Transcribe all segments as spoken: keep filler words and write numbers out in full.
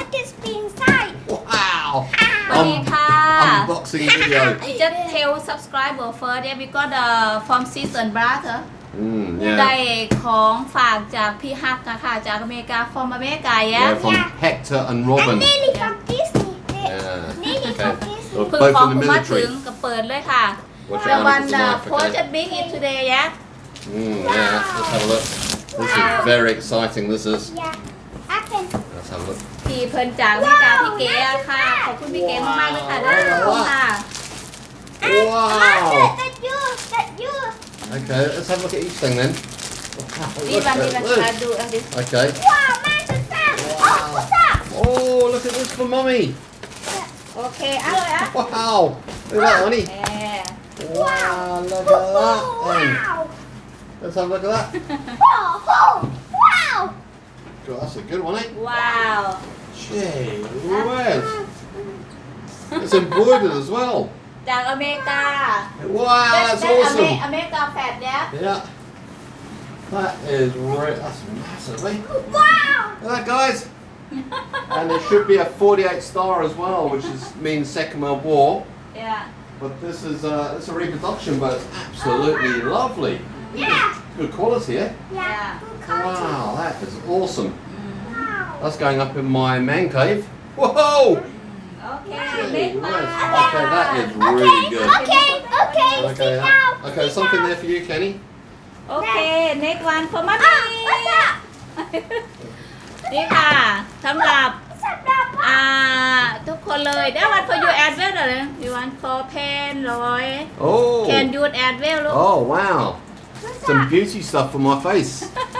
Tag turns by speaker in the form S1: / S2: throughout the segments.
S1: look at spin inside.
S2: Wow.
S3: สวัสดีค่ะ
S2: Unboxing video.
S3: I just tell subscriber first yeah we got the from sis and brother
S2: Mm,
S3: ได้
S2: yeah.
S3: ของฝากจากพี่ฮักนะคะจากอเมริกา from อเมริกา
S2: Yeah,
S3: yeah
S2: from Hector and Robin.
S1: And Lily from Disney.
S2: Yeah.
S1: Lily
S2: Okay.
S1: from Disney.
S2: Well,
S3: เพิ่ง
S2: both
S3: ของ
S2: in the
S3: ผมมาถึง
S2: military.
S3: ก็เปิดเลยค่ะ
S2: Watch
S3: the
S2: it
S3: one
S2: out
S3: the
S2: of the
S3: post
S2: knife,
S3: big it today yeah
S2: Mm, yeah, let's have a look. This is very exciting, this is.
S1: Yeah. Open.
S2: Let's have a look.
S3: พี่เพิ่นจากอเมริกาพี่เก๋อะค่ะ ขอบคุณพี่เก๋มากๆเลยค่ะได้ของค่ะ
S2: Wow.
S1: That's yours. That's yours.
S2: Okay, let's have a look at each thing then. Wow,
S3: นี่
S2: look
S3: วัน
S2: at
S3: นี้เรา
S2: this.
S3: จะดูอันนี้
S2: Okay.
S1: Wow, man, what's that? Oh, what's that?
S2: Oh, look at this for mummy.
S3: โอเคเอาเลยอ่ะ
S2: Wow. Look at that, honey.
S3: แหม
S2: Wow, look at
S1: Oh,
S2: that. then.
S1: wow.
S2: Let's have a look at that.
S1: Oh, oh, wow.
S2: God, that's a good one, eh?
S3: ว้าว
S2: Gee whiz. It's embroidered as well.
S3: จากอเมริกา
S2: Wow, that's
S3: อเม
S2: awesome.
S3: อเมริกาแฟดเนี่ย
S2: Yeah. That is right. That's massive, eh?
S1: Wow.
S2: Look at that, guys. And there should be a forty-eight star as well, which is, means Second World War.
S3: เนี่ย
S2: But this is uh, it's a reproduction, but it's absolutely lovely.
S1: Yeah.
S2: Good quality, eh?
S1: Yeah.
S2: Wow, that is awesome.
S1: Wow.
S2: That's going up in my man cave. Whoa!
S3: โอเค
S2: Gee
S3: เล็ก
S2: whiz.
S3: มาก
S2: Okay, that is really good.
S1: Okay, okay,
S2: Okay,
S1: sit
S2: huh?
S1: down.
S2: okay,
S1: sit
S2: something
S1: down.
S2: there for you, Kenny.
S3: โอเค next one for mommy
S1: Ah, what's that?
S3: นี่ค่ะสำหรับ
S1: What's that?
S3: อ่าทุกคนเลยได้วัน for you as well เหรอ you want for pen ร้อย
S2: Oh.
S3: can you as well ลูก
S2: Oh, wow.
S1: What's
S2: Some
S1: that?
S2: beauty stuff for my face.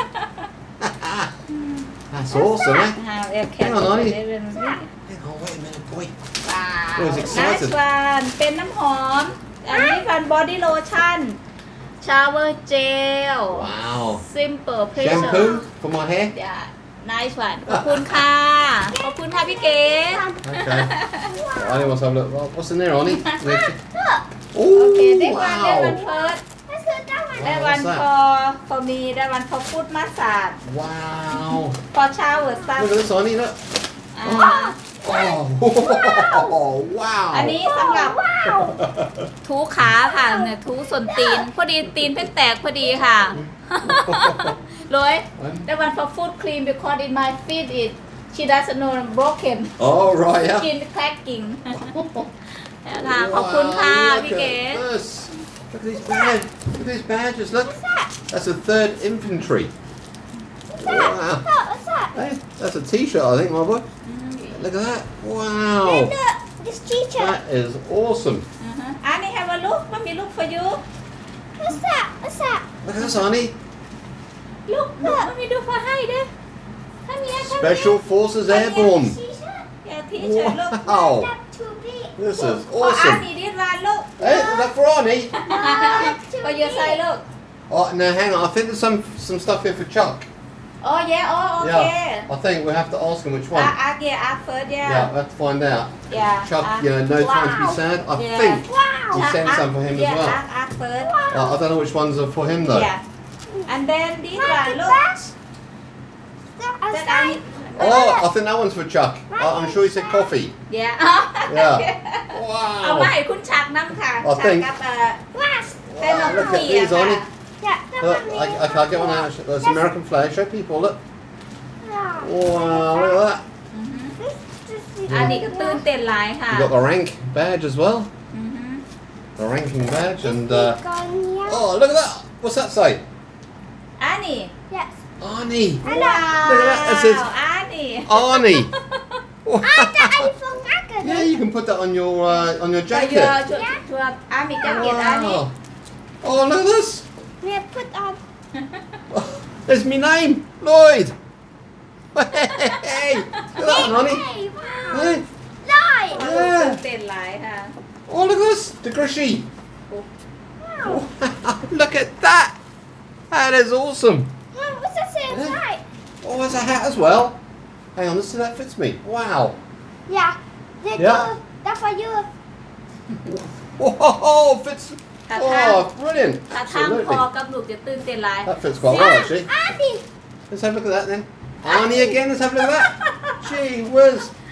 S2: That's awesome, eh?
S3: อ่าเอฟแค
S2: Hang on, honey.
S3: n
S2: Hang on, wait a minute, boy.
S3: ว้าว
S2: I was excited.
S3: nice one เป็นน้ำหอม อันนี้เป็น body lotion shower gel
S2: Wow.
S3: simple pressure
S2: Shampoo for my hair.
S3: yeah nice one ขอบคุณค่ะ ขอบคุณค่ะพี่เก๋
S2: Okay. I want to have a look. What- What's in there, Ollie?
S1: Look.
S2: โอ้
S3: โอเคได้วันได้วัน
S2: wow.
S3: first
S1: What's that? That one.
S3: ได้วัน
S2: what's that?
S3: for for me ได้วัน for foot massage
S2: Wow.
S3: for shower sun
S2: Look at this, Ollie. Look.
S3: อ่า
S2: Oh, wow.
S3: อันนี้สำหรับ
S1: Wow.
S3: ทูขาค่ะเนี่ยทูส่วนตีน พอดีตีนเพิ่งแตกพอดีค่ะรวยได้วัน for foot cream because in my feet it she doesn't know broken
S2: Oh, right, yeah.
S3: skin cracking ค่ะขอบคุณค่ะ
S2: Wow,
S3: พี่
S2: look
S3: เก๋
S2: at this. Look at these badges. Look at these badges. Look.
S1: What's that?
S2: That's a third infantry.
S1: What's
S2: Wow.
S1: that? What's that?
S2: Hey, that's a t-shirt, I think, my boy. Look at that. Wow.
S1: Look, this teacher.
S2: That is awesome.
S3: อ่าฮะอันนี้ have a look มันมี look for you
S1: What's that? What's that?
S2: Look at this, Arnie.
S3: look look มันมีดู for ให้ด้วยถ้ามีถ้ามี
S2: Special Forces Airborne.
S1: T-shirt.
S3: อย่าทีเชิญลูก
S2: Wow.
S1: That's too big.
S2: This is
S3: พออัน
S2: awesome.
S3: นี้ดีดวันลูก
S2: Hey, is that for Arnie?
S1: No, that's too
S3: พอเยอะใส่
S1: big.
S3: ลูก
S2: Oh, no, hang on. I think there's some some stuff here for Chuck.
S3: อ๋อแย่อ๋อโอเค
S2: Yeah. I think we have to ask him which
S3: อา
S2: one.
S3: อาเกียอาเฟิร์สแย่
S2: Yeah, we have to find out.
S3: Yeah.
S2: Chuck,
S3: Uh,
S2: you know, no time to be
S1: wow.
S2: sad. I
S3: Yeah.
S2: think
S1: Wow.
S2: we sent some for him as
S3: แย่
S2: well.
S3: อาอาเฟิร์ส
S2: Uh, I don't know which ones are for him though.
S3: yeah and then this
S1: What's
S3: one look
S1: that? What's
S3: that
S1: that?
S2: Oh, I think that one's for Chuck. I, I'm sure he said coffee.
S3: yeah
S2: Yeah.
S3: เอามา
S2: Wow.
S3: ให้คุณชักน้ำค่ะ
S2: I
S3: ชัก
S2: think-
S3: กับเอ่อ
S1: What's
S3: เต้น
S2: Wow,
S3: น้ำ
S2: look
S3: เปี
S2: at
S3: ย
S2: these,
S3: ค่ะ
S2: Arnie.
S1: that? That
S2: Look,
S1: one
S2: I,
S1: is-
S2: I can't get one out. There's American flag. Show people. Look.
S1: Wow.
S2: Wow, look at that.
S1: This, this is
S3: อันนี้ก็ตื่นเต้นหลายค่ะ
S2: You got the rank badge as well.
S3: อือฮึ
S2: The ranking badge and. Uh,
S1: gone here.
S2: oh, look at that. What's that say?
S3: อันนี้
S1: Yes.
S2: Arnie.
S3: ว้าว
S2: Look at that, it says-
S3: อันนี้
S2: Arnie.
S1: iPhone Mac.
S2: Yeah, you can put that on your uh, on your
S3: ชัว
S2: jacket.
S3: ชัวชัวอามีจักเก็ตอันนี้
S2: Wow. Oh, look at this.
S1: We have put on.
S2: There's my name, Lloyd. Hey, look at that, Arnie.
S1: Hey, wow.
S2: Hey.
S1: Light.
S2: Yeah.
S3: ตื่นเต้นหลายค่ะ
S2: Oh, look at this, the Grishy.
S1: Wow.
S2: Look at that. That is awesome.
S1: Mom, what's that say
S2: Yeah.
S1: inside?
S2: Oh, there's a hat as well. Hang on, let's see if that fits me. Wow.
S1: Yeah. That's
S2: Yeah.
S1: you. That's for you.
S2: Whoa, fits.
S3: ถ้าทาง
S2: Oh, brilliant.
S3: ถ้าทางพ
S2: Absolutely.
S3: อกับลูกจะตื่นเต้นหลาย
S2: That fits quite well, actually.
S1: Andy.
S2: Let's have a look at that then. Arnie again, let's have a look at that. Gee whiz.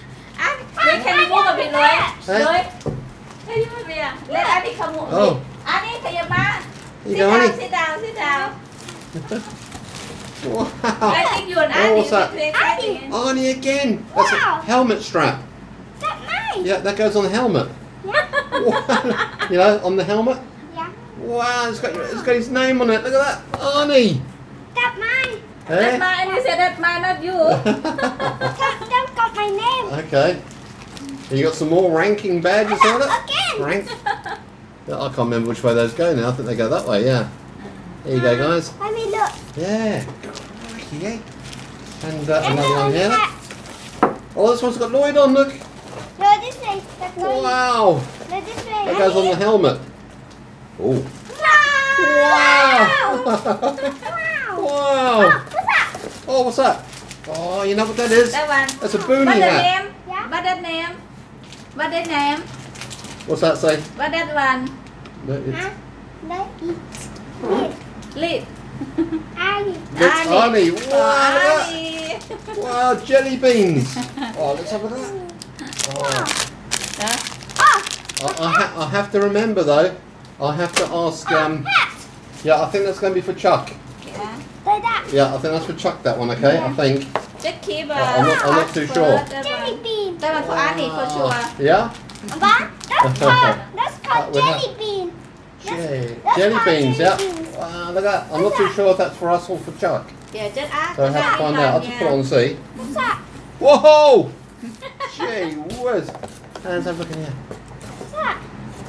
S3: Look, can you move a bit, Loy?
S2: Hey.
S3: Loy, can you move a bit? Let Annie come move a
S2: Oh.
S3: bit. Annie, can you ma?
S2: Here you
S3: Sit
S2: go,
S3: down,
S2: Annie.
S3: sit down, sit down.
S2: Wow.
S3: I think you and
S2: Oh,
S3: Annie
S2: what's that?
S3: will be exciting.
S2: Arnie again. That's
S1: Wow.
S2: a helmet strap.
S1: That's mine.
S2: Yeah, that goes on the helmet.
S1: Yeah.
S2: Wow. You know, on the helmet.
S1: Yeah.
S2: Wow, it's got it's got his name on it. Look at that, Arnie.
S1: That's mine.
S3: That's
S2: Eh?
S3: mine, and you said that's mine, not you.
S1: That, that's got my name.
S2: Okay. You got some more ranking badges on it.
S1: Again.
S2: Rank. Yeah, I can't remember which way those go now. I think they go that way. Yeah. There you go, guys.
S1: Let me look.
S2: Yeah. Crikey, eh? And uh,
S1: And
S2: another one here.
S1: that.
S2: Oh, this one's got Lloyd on. Look.
S1: No, this way. That's mine.
S2: Wow.
S1: No, this way.
S2: That goes on the helmet. Oh.
S1: Wow.
S2: Wow.
S1: Wow.
S2: Wow.
S1: What's that?
S2: Oh, what's that? Oh, you know what that is?
S3: That one.
S2: That's a boonie
S3: What the
S2: hat.
S3: name?
S1: Yeah.
S3: What that name? What that name?
S2: What's that say?
S3: What that one?
S2: No, it's,
S1: Huh? No, eat.
S3: Lid.
S1: Annie.
S2: it's Arnie. Wow,
S3: Oh,
S2: look at
S3: Annie.
S2: that. Wow, jelly beans. Oh, let's have a look at that. Oh.
S3: Huh?
S1: Oh,
S2: I, I, ha- I have to remember though. I have to ask. Um,
S1: hat.
S2: yeah, I think that's going to be for Chuck.
S3: Yeah.
S1: Like that.
S2: Yeah, I think that's for Chuck. That one, okay? I think.
S3: Just keep uh,
S2: I'm not- I'm not too
S3: first,
S2: sure.
S3: That
S1: Jelly
S3: one.
S1: bean.
S3: That one for Annie for sure.
S2: Yeah.
S1: What? That's called, that's
S2: Uh,
S1: called
S2: we have-
S1: jelly bean.
S2: Jelly,
S1: that's
S2: jelly
S1: called
S2: beans.
S1: jelly
S2: Yeah.
S1: beans.
S2: Wow, look at that. I'm not too sure if that's for us or for Chuck.
S3: Yeah, just ask.
S2: So I have to find out. I'll just put it on and see.
S1: What's that?
S2: Whoa! Gee whiz. Hands have a look in here.
S1: What's that?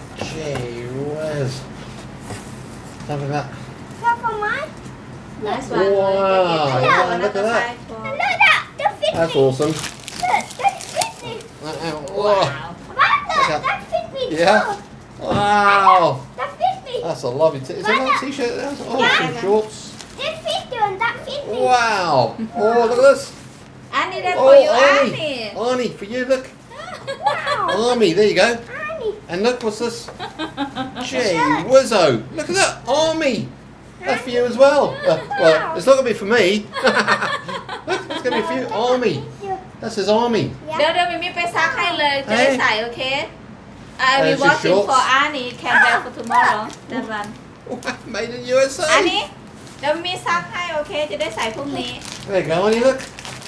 S2: Gee whiz. Have a look at that.
S1: Is that for mine?
S3: Nice one.
S2: Wow,
S1: yeah,
S2: look at that.
S1: And look at that. That fits
S2: That's
S1: me.
S2: awesome.
S1: Look, that fits me.
S2: Uh, uh, whoa.
S3: Wow.
S1: What?
S2: Look at-
S1: That, that fits me
S2: Yeah.
S1: too.
S2: Wow.
S1: That fits me.
S2: That's a lovely t- Is it a t-shirt? That's oh,
S1: Yeah.
S2: some shorts.
S1: That fits you and that fits me.
S2: Wow. Oh, look at this.
S3: Annie, that's
S2: Oh,
S3: for you,
S2: Arnie.
S3: Annie.
S2: Arnie, for you, look.
S1: Wow.
S2: Army, there you go.
S1: Annie.
S2: And look, what's this? Gee whizzo. Look at that. Army. That's for you as well. Uh, well, it's not going to be for me. Look, it's going to be for you. Army.
S1: Thank you.
S2: That's his army.
S3: เดี๋ยวเดี๋ยวมิมิไปซักให้เลยจะได้ใส่โอเค I will
S2: There's your
S3: watch it
S2: shorts.
S3: for Annie can wear for tomorrow that one
S2: Made in U S A.
S3: อันนี้เดี๋ยวมิซักให้โอเคจะได้ใส่พรุ่งนี้
S2: There you go, Arnie, look.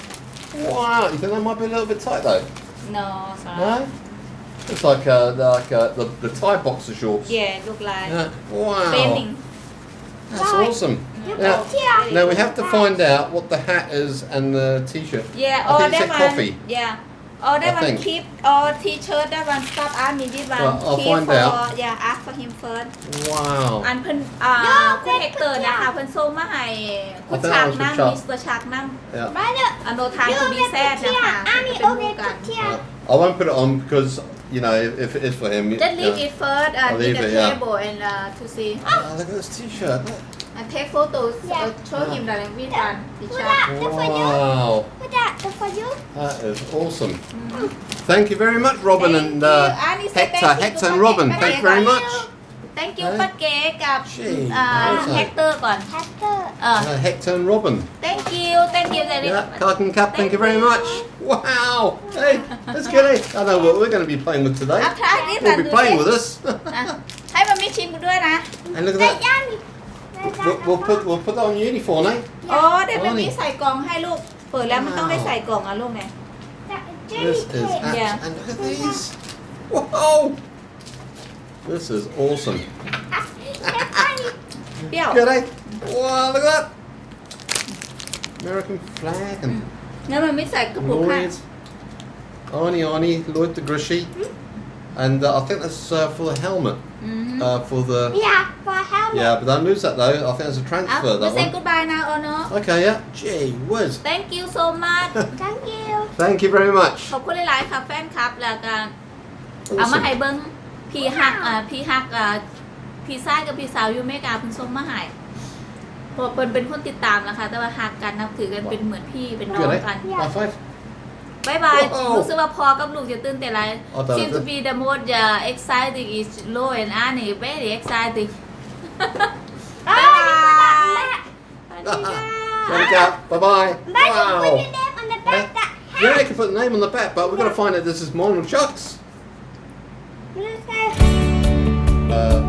S2: Wow. You think that might be a little bit tight though?
S3: no sorry
S2: No? It's like uh, like uh, the, the Thai boxer shorts.
S3: yeah look like
S2: Yeah. Wow.
S3: painting
S2: That's
S1: Right.
S2: awesome.
S1: You
S2: Yeah.
S1: put here.
S2: Now we have to find out what the hat is and the t-shirt.
S3: yeah
S2: I
S3: or
S2: think it
S3: that
S2: said
S3: one
S2: coffee.
S3: yeah or that
S2: I
S3: one
S2: think.
S3: keep or t-shirt that one stop Annie this one
S2: Well, I'll
S3: keep
S2: find
S3: for
S2: out.
S3: yeah ask for him first
S2: Wow.
S3: อันเพิ่นอ่า
S1: No,
S3: คุณเฮกเตอร์
S1: that
S3: นะคะ
S1: could
S3: เพิ่นส่งมาให้คุณ
S2: I think
S3: ฉาก
S2: that was for
S3: น้ำ
S2: Chuck.
S3: มิสเตอร์ฉากน้ำ
S2: Yeah.
S1: Right up.
S3: อโนทาง
S1: You
S3: ทู
S1: over
S3: บีแซด
S1: put
S3: นะ
S1: here.
S3: คะ
S1: Annie
S3: เป็น
S1: over
S3: คู่กัน
S1: put here.
S2: I won't put it on because you know if it is for him.
S3: Just leave
S2: yeah.
S3: it first and
S2: I'll
S3: in
S2: leave
S3: the
S2: it, yeah.
S3: table and uh, to see
S2: Oh, look at this t-shirt. Look.
S3: and take photos
S1: Yeah.
S3: uh, show him the language one
S1: Put
S3: teacher
S1: that. That's for you.
S2: Wow.
S1: Put that. That's for you.
S2: That is awesome. Thank you very much, Robin
S3: Thank
S2: and
S3: you.
S2: uh,
S3: Annie say
S2: Hector,
S3: thank you
S2: Hector
S3: to
S2: and Robin.
S3: Hector.
S2: Thank you very
S3: Thank
S2: much.
S3: thank you
S2: Hey.
S3: ป้าเก๋กับ
S2: Gee,
S3: อ่า
S2: awesome.
S3: เฮกเตอร์ก่อน
S1: Hector.
S3: เออ
S2: Uh, Hector and Robin.
S3: thank you thank you very
S2: Yeah, Carton Cup, thank you very much. Wow. Hey, that's good. Eh? I know what we're going to be playing with today.
S3: อัพทายนี่
S2: We'll be playing with us.
S3: อ่ะให้มามิชิมด้วยนะ
S2: And look at
S1: That
S2: that.
S1: Yanni.
S2: We'll, we'll put we'll put that on your uniform, eh?
S3: อ๋อเดี๋ยวมันมีใส่กล่องให้ลูก เปิดแล้วมันต้องได้ใส่กล่องอ่ะลูกเนี่ย
S1: That jelly
S2: This is
S1: cake.
S3: Yeah.
S2: abs- and look at these. Whoa. This is awesome.
S1: That's funny.
S3: เปรี้ยว
S2: Good, eh? Wow, look at that. American flag and
S3: แล้วมันไม่ใส่กระปุกค่ะ
S2: Lloyd. Arnie, Arnie, Lloyd the Grishy. And uh, I think that's uh, for the helmet.
S3: อืม
S2: Uh, for the
S1: Yeah, for helmet.
S2: yeah, but don't lose that though. I think there's a
S3: อ่ะ
S2: transfer
S3: มา
S2: that
S3: เซ็น
S2: one.
S3: กูดบายนะโอโน
S2: Okay, yeah. Gee whiz.
S3: thank you so much
S1: Thank you.
S2: Thank you very much.
S3: ขอบคุณหลายๆค่ะแฟนคลับแล้วก็เอามา
S2: Awesome.
S3: ให้เบิ้งพี่ฮักอ่าพี่ฮักอ่าพี่ชายกับพี่สาวอยู่อเมริกาเพิ่นส่งมาให้เพราะเพิ่นเป็นคนติดตามนะคะแต่ว่าฮักกันนับถือกันเป็นเหมือนพี่เป็นน้อง
S2: Good, eh?
S3: กัน
S2: High five.
S3: บายบาย
S2: Wow.
S3: รู้สึกว่าพอกับลูกจะตื่นเต้นอะไร
S2: เอาแต่ละ
S3: seem to be the most uh, exciting is Lo and Annie very exciting บายบายสวัสดีค่ะ
S2: Thank you. Bye bye.
S1: Bye. Put
S2: Wow.
S1: your name on the back. That
S2: Yeah, you can put the name on the back, but we've got to find out this is mine or Chuck's.
S1: Let's go.
S2: Uh,